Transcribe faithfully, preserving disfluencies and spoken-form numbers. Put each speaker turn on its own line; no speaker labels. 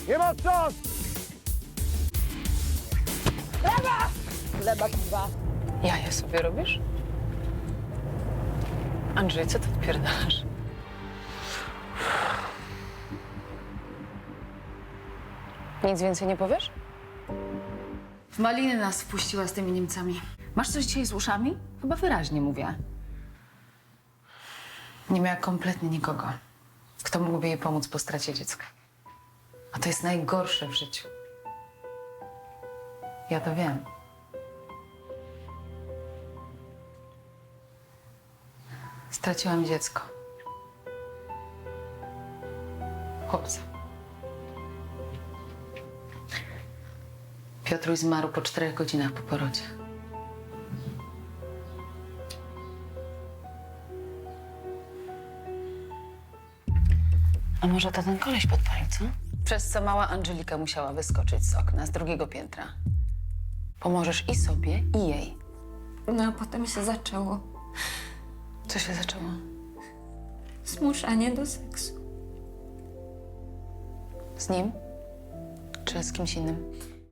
Nie ma czas!
Lewa! Lewa, kurwa.
Jaja sobie robisz? Andrzej, co ty odpierdalasz? Nic więcej nie powiesz?
W maliny nas wpuściła z tymi Niemcami. Masz coś dzisiaj z uszami? Chyba wyraźnie mówię. Nie miała kompletnie nikogo, kto mógłby jej pomóc po stracie dziecka. A to jest najgorsze w życiu. Ja to wiem. Straciłam dziecko. Chłopca. Piotruś zmarł po czterech godzinach po porodzie.
A może to ten koleś podpalił, co?
Przez co mała Angelika musiała wyskoczyć z okna z drugiego piętra.
Pomożesz i sobie, i jej.
No a potem się zaczęło.
Co się zaczęło?
Zmuszanie do seksu.
Z nim? Czy z kimś innym?